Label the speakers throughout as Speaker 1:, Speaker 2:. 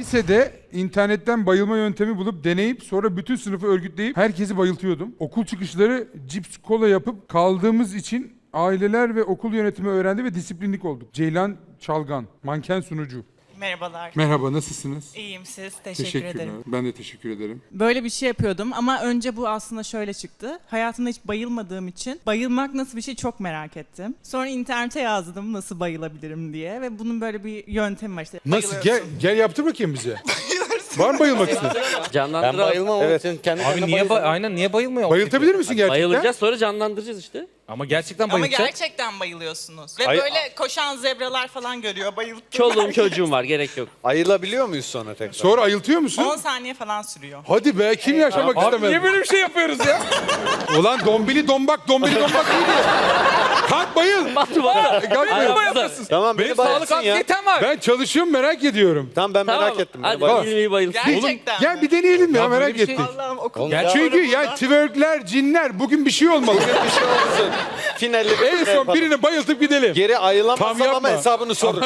Speaker 1: Lisede internetten bayılma yöntemi bulup deneyip sonra bütün sınıfı örgütleyip herkesi bayıltıyordum. Okul çıkışları cips kola yapıp kaldığımız için aileler ve okul yönetimi öğrendi ve disiplinlik olduk. Ceylan Çalgan, manken sunucu.
Speaker 2: Merhabalar.
Speaker 1: Merhaba, nasılsınız?
Speaker 2: İyiyim siz. Teşekkür ederim.
Speaker 1: Ben de teşekkür ederim.
Speaker 2: Böyle bir şey yapıyordum ama önce bu aslında şöyle çıktı. Hayatımda hiç bayılmadığım için bayılmak nasıl bir şey çok merak ettim. Sonra internete yazdım nasıl bayılabilirim diye ve bunun böyle bir yöntemi var işte.
Speaker 1: Nasıl? Gel yaptır bakayım bize. Var mı bayılmak isteyen?
Speaker 3: Ben
Speaker 4: Canlandıralım.
Speaker 3: bayılmam ama sen kendi
Speaker 4: Abi niye aynen niye bayılmıyor?
Speaker 1: Bayıltabilir misin gerçekten?
Speaker 4: Bayılacağız sonra canlandıracağız işte.
Speaker 3: Ama gerçekten
Speaker 2: Ama
Speaker 3: bayılacak.
Speaker 2: gerçekten bayılıyorsunuz. Ve
Speaker 3: Ay-
Speaker 2: böyle koşan zebralar falan görüyor. Bayılttım.
Speaker 4: Çoluğum çocuğum var gerek yok.
Speaker 3: Ayılabiliyor muyuz sonra tekrar?
Speaker 1: Sonra ayıltıyor musun?
Speaker 2: 10 saniye falan sürüyor.
Speaker 1: Hadi be, kim yaşamak
Speaker 3: Abi
Speaker 1: istemez?
Speaker 3: niye böyle bir şey yapıyoruz ya?
Speaker 1: Ulan dombili dombak iyiydi. Kalk bayıl.
Speaker 4: Batu bana.
Speaker 1: Kalk bayıl.
Speaker 4: Yapsın.
Speaker 3: Tamam
Speaker 4: Benim
Speaker 3: beni
Speaker 4: sağlık
Speaker 3: bayılsın ya.
Speaker 4: anksiyetem var.
Speaker 1: Ben çalışıyorum, merak ediyorum.
Speaker 3: Tamam ben
Speaker 4: Tamam.
Speaker 3: merak ettim.
Speaker 4: Hadi
Speaker 1: Bak.
Speaker 4: bilmeyi bayılsın.
Speaker 2: Gerçekten
Speaker 1: Gel
Speaker 2: mi?
Speaker 1: bir deneyelim ya,
Speaker 3: Ya
Speaker 1: merak
Speaker 3: böyle bir şey-
Speaker 1: ettik.
Speaker 2: Allah'ım okul.
Speaker 3: Oğlum,
Speaker 1: Çünkü ya twerkler, cinler bugün bir şey olmalı.
Speaker 3: bir şey olsun. Finalde
Speaker 1: En son birini bayıltıp gidelim.
Speaker 3: geri
Speaker 1: Tam
Speaker 3: ayılamazsam
Speaker 1: yapma.
Speaker 3: ama hesabını sorun.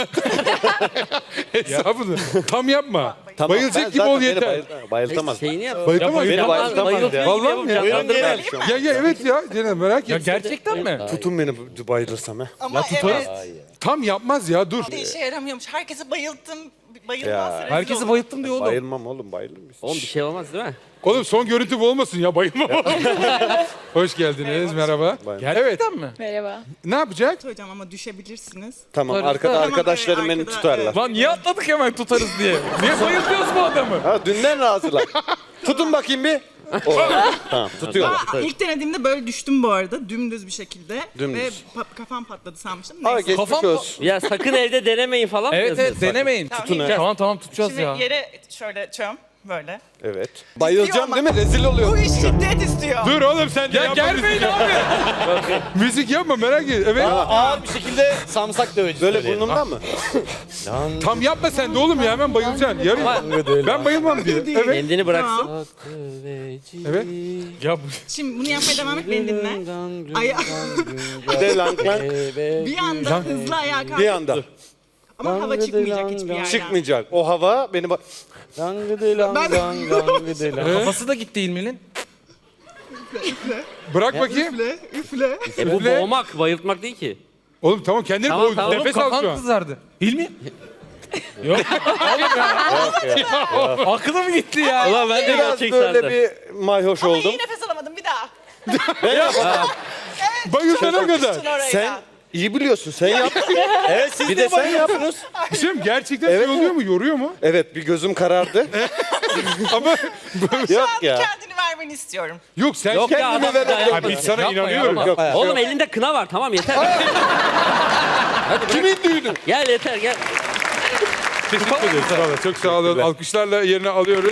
Speaker 1: Hesabını. Tam yapma.
Speaker 3: Tamam,
Speaker 1: Bayılacak
Speaker 3: ben
Speaker 1: gibi
Speaker 3: zaten
Speaker 1: ol
Speaker 3: beni
Speaker 1: yeter.
Speaker 3: Bayıltamaz.
Speaker 4: Şeyini yap.
Speaker 1: Bayıltamaz
Speaker 3: beni
Speaker 1: ya.
Speaker 3: bayıltamaz ya.
Speaker 1: Vallahi mi ya?
Speaker 4: Canlandırma.
Speaker 1: Ya evet ya. Cenab merak
Speaker 3: Ya
Speaker 1: et.
Speaker 3: gerçekten mi? Tutun beni bayılırsam ha.
Speaker 2: Ama evet.
Speaker 1: Tam yapmaz ya, dur.
Speaker 2: İşe yaramıyormuş. Herkesi bayılttım. Bayılmaz.
Speaker 3: Ya,
Speaker 2: rezil
Speaker 3: herkesi
Speaker 2: olur.
Speaker 3: bayılttım diyor oğlum. Bayılmam oğlum bayılır mısın?
Speaker 4: Oğlum bir şey olmaz değil mi?
Speaker 1: Oğlum son görüntü bu olmasın ya, bayılma. Hoş geldiniz, merhaba.
Speaker 3: Gerçekten mi?
Speaker 5: Merhaba.
Speaker 1: Ne yapacak?
Speaker 2: Hocam ama düşebilirsiniz.
Speaker 3: Tamam
Speaker 4: Tutarız.
Speaker 3: arkada
Speaker 2: Tamam,
Speaker 3: arkadaşlarım
Speaker 2: evet,
Speaker 3: beni
Speaker 2: arkada,
Speaker 3: tutarlar.
Speaker 2: evet.
Speaker 6: Lan niye atladık hemen tutarız diye? Niye bayıltıyoruz bu adamı?
Speaker 3: Ha dünden razılar. Tutun bakayım bir. Tamam tutuyorlar.
Speaker 2: İlk denediğimde böyle düştüm bu arada. Dümdüz bir şekilde.
Speaker 3: Dümdüz.
Speaker 2: Ve kafam patladı sanmıştım.
Speaker 3: Aa
Speaker 2: Neyse.
Speaker 3: geçmiş
Speaker 6: Kafam-
Speaker 3: olsun.
Speaker 4: Ya sakın evde denemeyin falan mı
Speaker 6: Evet
Speaker 4: yazıyorsun?
Speaker 6: denemeyin.
Speaker 2: Tamam,
Speaker 6: Tutun.
Speaker 2: iyi.
Speaker 6: Tamam tutacağız
Speaker 2: Şimdi
Speaker 6: ya.
Speaker 2: yere şöyle çöm. Böyle.
Speaker 3: Evet. Bayılacağım
Speaker 2: ama-
Speaker 3: değil mi? Rezil
Speaker 2: Bu
Speaker 3: oluyorum.
Speaker 2: iş şiddet istiyor.
Speaker 1: Dur oğlum, sen de
Speaker 6: Ya
Speaker 1: yapma
Speaker 6: gelmeyin
Speaker 1: müzik.
Speaker 6: abi.
Speaker 1: Müzik yapma, merak et. Evet.
Speaker 3: Ağır bir şekilde samsak döveci. Böyle burnumdan mı?
Speaker 1: Tam yapma sen de oğlum ya, hemen bayılacaksın. Yarın ben bayılmam diye. Evet.
Speaker 4: Kendini bıraksın.
Speaker 2: Tamam.
Speaker 1: Evet.
Speaker 6: Ya bu...
Speaker 2: Şimdi bunu yapmaya devam et, beni dinle.
Speaker 3: Bir de lang lang.
Speaker 2: Bir anda hızlı ayağa kalk.
Speaker 3: Bir anda.
Speaker 2: Ama hava çıkmayacak hiçbir yerden.
Speaker 3: Çıkmayacak. O hava beni
Speaker 6: Kafası da gitti İlmi'nin.
Speaker 1: Bırak bakayım.
Speaker 2: Üfle.
Speaker 4: Bu
Speaker 1: Üfle.
Speaker 4: boğmak, bayıltmak değil ki.
Speaker 1: Oğlum tamam, kendini
Speaker 4: Tamam,
Speaker 1: boğ.
Speaker 4: tamam.
Speaker 1: Nefes al şu
Speaker 6: Kafan
Speaker 1: an.
Speaker 6: kızardı. İlmi? Yok. Oğlum ya. Aklı mı gitti ya?
Speaker 4: Ulan ben de
Speaker 3: biraz
Speaker 4: gerçek
Speaker 3: böyle
Speaker 4: sandım.
Speaker 3: bir mayhoş
Speaker 2: Ama
Speaker 3: oldum.
Speaker 2: iyi nefes alamadım bir daha.
Speaker 1: Bayılsana kadar.
Speaker 2: Düştün oraya.
Speaker 3: Sen iyi biliyorsun. Sen yap. Evet siz de sen yaptınız.
Speaker 1: Şimdi gerçekten şey oluyor mu? Yoruyor mu?
Speaker 3: Evet bir gözüm karardı.
Speaker 1: Ama
Speaker 3: Yok ya.
Speaker 2: Kendini vermeni istiyorum.
Speaker 1: yok, sen
Speaker 4: Yok ya,
Speaker 1: kendine
Speaker 4: adam-
Speaker 1: ver.
Speaker 4: Ya,
Speaker 1: Biz sana
Speaker 6: yapma ya,
Speaker 1: inanıyorum.
Speaker 6: yapma.
Speaker 3: Yok.
Speaker 4: Oğlum elinde kına var tamam yeter.
Speaker 1: Kimin düğünü?
Speaker 4: Gel yeter gel.
Speaker 1: Teşekkür ederiz. Sağ olun. Çok sağ olun. Alkışlarla yerine alıyoruz.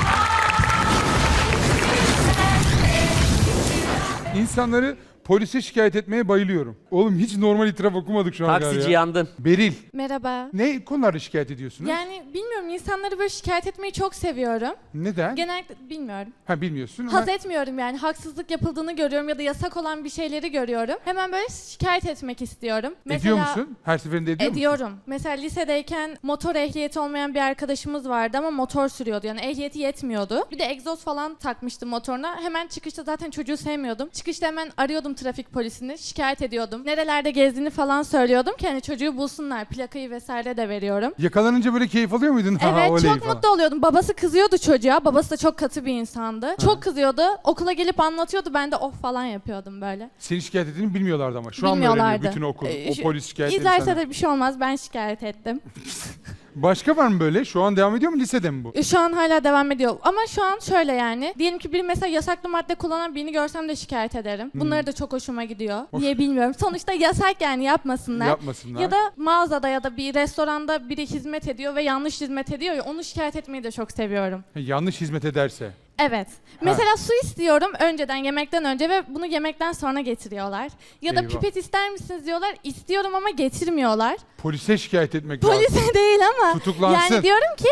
Speaker 1: İnsanları polise şikayet etmeye bayılıyorum. Oğlum hiç normal itiraf okumadık şu an
Speaker 4: Taksici
Speaker 1: ya.
Speaker 4: yandın.
Speaker 1: Beril.
Speaker 5: Merhaba.
Speaker 1: Ne konularda şikayet ediyorsunuz?
Speaker 5: Yani bilmiyorum, insanları böyle şikayet etmeyi çok seviyorum.
Speaker 1: Neden?
Speaker 5: Genellikle bilmiyorum.
Speaker 1: Ha, bilmiyorsun ama
Speaker 5: Haz etmiyorum yani. Haksızlık yapıldığını görüyorum ya da yasak olan bir şeyleri görüyorum. Hemen böyle şikayet etmek istiyorum.
Speaker 1: ediyor musun? Her seferinde ediyor musun?
Speaker 5: Ediyorum. Mesela lisedeyken motor ehliyeti olmayan bir arkadaşımız vardı ama motor sürüyordu. Yani ehliyeti yetmiyordu. Bir de egzoz falan takmıştım motoruna. Hemen çıkışta zaten çocuğu sevmiyordum. Çıkışta hemen arıyordum trafik polisini. Şikayet ediyordum. Nerelerde gezdiğini falan söylüyordum ki hani çocuğu bulsunlar. Plakayı vesaire de veriyorum.
Speaker 1: Yakalanınca böyle keyif alıyor muydun? Ha,
Speaker 5: Evet,
Speaker 1: oley
Speaker 5: çok
Speaker 1: falan.
Speaker 5: mutlu oluyordum. Babası kızıyordu çocuğa. Babası da çok katı bir insandı. Çok kızıyordu. Okula gelip anlatıyordu. Ben de oh falan yapıyordum böyle.
Speaker 1: Seni şikayet ettiğini bilmiyorlardı ama. Şu an mı
Speaker 5: Bilmiyorlardı.
Speaker 1: öğreniyor bütün okul? O
Speaker 5: Şu-
Speaker 1: polis şikayetleri
Speaker 5: İzlerse
Speaker 1: sana.
Speaker 5: de bir şey olmaz. Ben şikayet ettim.
Speaker 1: Başka var mı böyle? Şu an devam ediyor mu? Lisede mi bu?
Speaker 5: Şu an hala devam ediyor. Ama şu an şöyle yani. Diyelim ki biri mesela yasaklı madde kullanan birini görsem de şikayet ederim. Bunları da çok hoşuma gidiyor. Niye bilmiyorum. Sonuçta yasak yani, yapmasınlar.
Speaker 1: Yapmasınlar.
Speaker 5: Ya da mağazada ya da bir restoranda biri hizmet ediyor ve yanlış hizmet ediyor ya, onu şikayet etmeyi de çok seviyorum.
Speaker 1: Yanlış hizmet ederse.
Speaker 5: Evet. Mesela su istiyorum önceden, yemekten önce ve bunu yemekten sonra getiriyorlar. Ya da
Speaker 1: Eyvah.
Speaker 5: pipet ister misiniz diyorlar. İstiyorum ama getirmiyorlar.
Speaker 1: Polise şikayet etmek lazım.
Speaker 5: Polise değil ama.
Speaker 1: Tutuklansın.
Speaker 5: Yani diyorum ki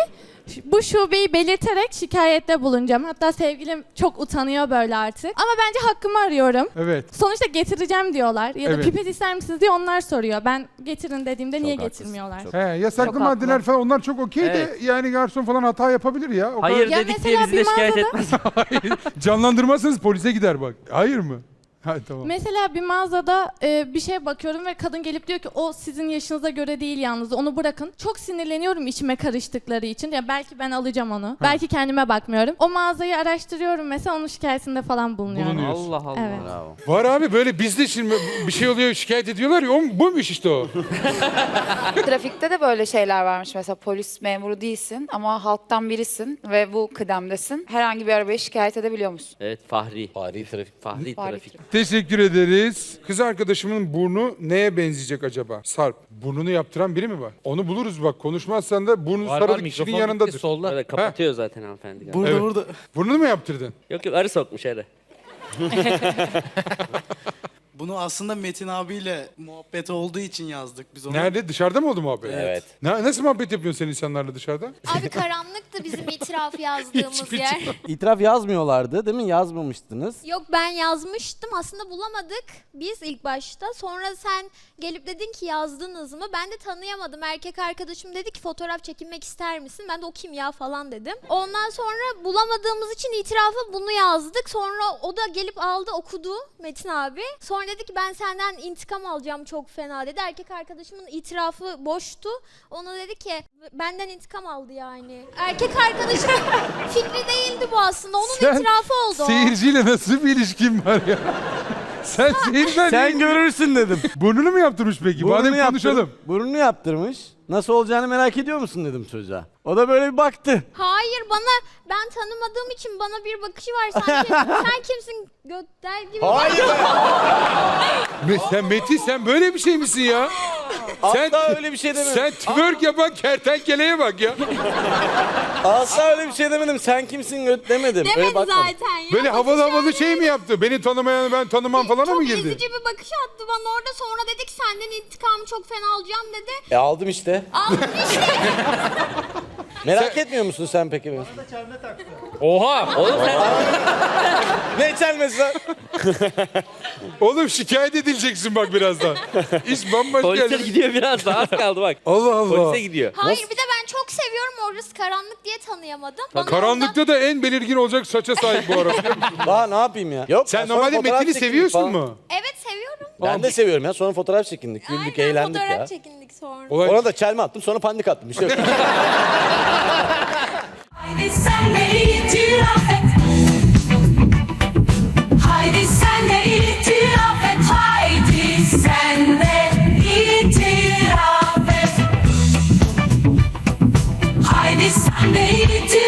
Speaker 5: Bu şubeyi belirterek şikayette bulunacağım. Hatta sevgilim çok utanıyor böyle artık. Ama bence hakkımı arıyorum.
Speaker 1: Evet.
Speaker 5: Sonuçta getireceğim diyorlar. Ya da
Speaker 1: Evet.
Speaker 5: pipet ister misiniz diye onlar soruyor. Ben getirin dediğimde niye
Speaker 3: haklısın.
Speaker 5: getirmiyorlar?
Speaker 1: He, yasaklı
Speaker 7: Çok
Speaker 1: maddeler
Speaker 7: haklı.
Speaker 1: falan onlar çok okey de
Speaker 4: Evet.
Speaker 1: yani garson falan hata yapabilir ya. O
Speaker 4: Hayır
Speaker 5: Ya
Speaker 4: dedik diye
Speaker 5: mesela
Speaker 4: bizi de
Speaker 5: bir
Speaker 4: şikayet
Speaker 5: mağazada-
Speaker 4: etmez.
Speaker 1: kadar canlandırmazsanız polise gider bak. Hayır mı? Ha tamam.
Speaker 5: Mesela bir mağazada bir şeye bakıyorum ve kadın gelip diyor ki o sizin yaşınıza göre değil yalnız onu bırakın. Çok sinirleniyorum içime karıştıkları için. Ya belki ben alacağım onu. Belki kendime bakmıyorum. O mağazayı araştırıyorum mesela onun şikayetinde falan bulunuyorum.
Speaker 1: Bulunuyor.
Speaker 4: Allah Allah.
Speaker 5: Evet.
Speaker 3: Bravo.
Speaker 1: Var abi böyle bizde şimdi bir şey oluyor şikayet ediyorlar ya buymuş işte o.
Speaker 7: Trafikte de böyle şeyler varmış. Mesela polis memuru değilsin ama halktan birisin ve bu kıdemdesin. Herhangi bir arabaya şikayet edebiliyor musun?
Speaker 4: Evet Fahri.
Speaker 3: Fahri trafik.
Speaker 4: Fahri
Speaker 7: Fahri
Speaker 4: trafik.
Speaker 1: Teşekkür ederiz. Kız arkadaşımın burnu neye benzeyecek acaba? Sarp. Burnunu yaptıran biri mi var? Onu buluruz bak. Konuşmazsan da burnu
Speaker 6: Var
Speaker 1: sarılı
Speaker 6: var
Speaker 1: kişinin
Speaker 6: mikrofon
Speaker 1: yanındadır.
Speaker 6: gitti solda.
Speaker 4: Böyle kapatıyor zaten hanımefendi. galiba.
Speaker 6: Burada
Speaker 1: Evet.
Speaker 6: burada.
Speaker 1: Burnunu mu yaptırdın?
Speaker 4: Yok yok arı sokmuş arı.
Speaker 8: Bunu aslında Metin abiyle muhabbet olduğu için yazdık biz onu.
Speaker 1: Nerede? Dışarıda mı oldu muhabbet?
Speaker 3: Evet.
Speaker 1: Nasıl muhabbet yapıyorsun sen insanlarla dışarıda?
Speaker 9: Abi karanlıktı bizim itiraf yazdığımız yer.
Speaker 10: İtiraf yazmıyorlardı değil mi? Yazmamıştınız.
Speaker 9: Yok ben yazmıştım aslında bulamadık biz ilk başta. Sonra sen gelip dedin ki yazdınız mı? Ben de tanıyamadım. Erkek arkadaşım dedi ki fotoğraf çekinmek ister misin? Ben de o kim ya falan dedim. Ondan sonra bulamadığımız için itirafı bunu yazdık. Sonra o da gelip aldı okudu Metin abi. Sonra dedi ki ben senden intikam alacağım çok fena dedi. Erkek arkadaşımın itirafı boştu. Ona dedi ki benden intikam aldı yani. Erkek arkadaşımın fikri değildi bu aslında. Onun itirafı oldu o.
Speaker 1: Seyirciyle nasıl bir ilişkin var ya? Sen seyirciden
Speaker 10: Sen görürsün dedim.
Speaker 1: Burnunu mu yaptırmış peki? Madem
Speaker 10: yaptır-
Speaker 1: konuşalım.
Speaker 10: Burnunu yaptırmış. Nasıl olacağını merak ediyor musun dedim çocuğa. O da böyle bir baktı.
Speaker 9: Hayır ben tanımadığım için bana bir bakışı var sanki sen kimsin götter gibi.
Speaker 10: Hayır.
Speaker 1: Sen Metin sen böyle bir şey misin ya?
Speaker 10: Asla öyle bir şey demedim.
Speaker 1: Sen twerk yapan kertenkeleye bak ya.
Speaker 10: Asla öyle bir şey demedim. Sen kimsin göt demedim. Öyle
Speaker 9: Demedi
Speaker 10: bakmadım.
Speaker 9: zaten ya.
Speaker 1: Böyle havalı havalı şey mi yaptı? Beni tanımayanı ben tanımam falan mı
Speaker 9: Çok
Speaker 1: girdi?
Speaker 9: ezici bir bakış attı bana orada sonra dedi ki senden intikamı çok fena alacağım dedi.
Speaker 10: Aldım işte.
Speaker 9: Aldım işte.
Speaker 10: Merak etmiyor musun sen peki beni?
Speaker 6: Oha.
Speaker 4: Oğlum sen
Speaker 10: Ne çelmesi lan?
Speaker 1: Oğlum şikayet edileceksin bak birazdan. İş bambaşka
Speaker 4: polisler
Speaker 1: yerlere-
Speaker 4: gidiyor biraz daha az kaldı bak.
Speaker 1: Allah Allah.
Speaker 4: Polise gidiyor.
Speaker 9: Hayır bir de ben çok seviyorum orası karanlık diye tanıyamadım. Bana
Speaker 1: Karanlıkta da en belirgin olacak saça sahip bu arada.
Speaker 10: Daha ne yapayım ya? Yok.
Speaker 1: Sen
Speaker 10: sonra
Speaker 1: normalde
Speaker 10: fotoğraf
Speaker 1: Metin'i
Speaker 10: çekindik
Speaker 1: seviyorsun
Speaker 10: falan.
Speaker 1: mu?
Speaker 9: ondan- Evet seviyorum.
Speaker 10: Ben de seviyorum ya. Sonra fotoğraf çekindik. Güldük,
Speaker 9: Aynen
Speaker 10: eğlendik
Speaker 9: fotoğraf
Speaker 10: ya.
Speaker 9: çekindik sonra.
Speaker 1: Olay
Speaker 10: Ona da çelme attım sonra panik attım. Bir şey yok.
Speaker 11: Haydi sen de itiraf et. Haydi sen de itiraf et. Haydi sen de itiraf et. Haydi sen de itiraf et.